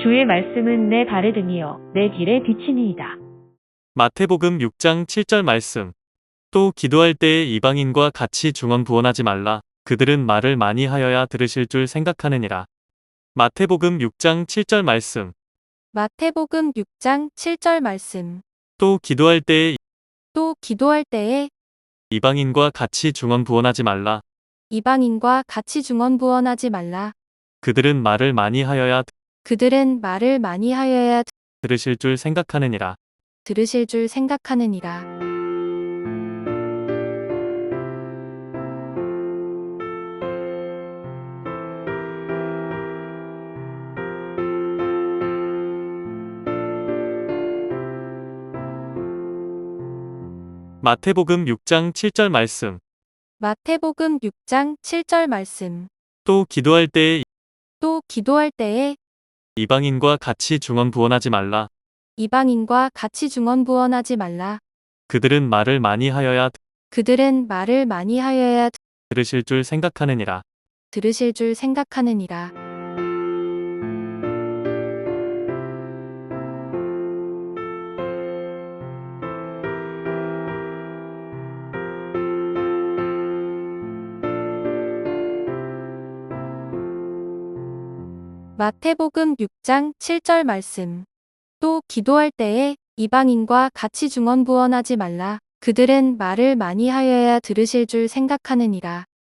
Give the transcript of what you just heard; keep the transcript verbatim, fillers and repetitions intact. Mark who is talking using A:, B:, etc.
A: 주의 말씀은 내 발에 등이요 내 길에 비치니이다.
B: 마태복음 육 장 칠 절 말씀. 또 기도할 때에 이방인과 같이 중언부언하지 말라. 그들은 말을 많이 하여야 들으실 줄 생각하느니라. 마태복음 육 장 칠 절 말씀.
C: 마태복음 육 장 칠 절 말씀.
B: 또 기도할 때에
C: 또 기도할 때에
B: 이방인과 같이 중언부언하지 말라.
C: 이방인과 같이 중언부언하지 말라.
B: 그들은 말을 많이 하여야
C: 그들은 말을 많이 하여야
B: 들으실 줄 생각하느니라.
C: 들으실 줄 생각하느니라.
B: 마태복음 육 장 칠 절 말씀.
C: 마태복음 육 장 칠 절 말씀.
B: 또 기도할 때에
C: 또 기도할 때에
B: 이방인과 같이 중언부언하지 말라.
C: 이방인과 같이 중언부언하지 말라.
B: 그들은 말을 많이 하여야
C: 그들은 말을 많이 하여야
B: 들으실 줄 생각하느니라.
C: 들으실 줄 생각하느니라. 마태복음 육 장 칠 절 말씀. 또 기도할 때에 이방인과 같이 중언부언하지 말라. 그들은 말을 많이 하여야 들으실 줄 생각하느니라.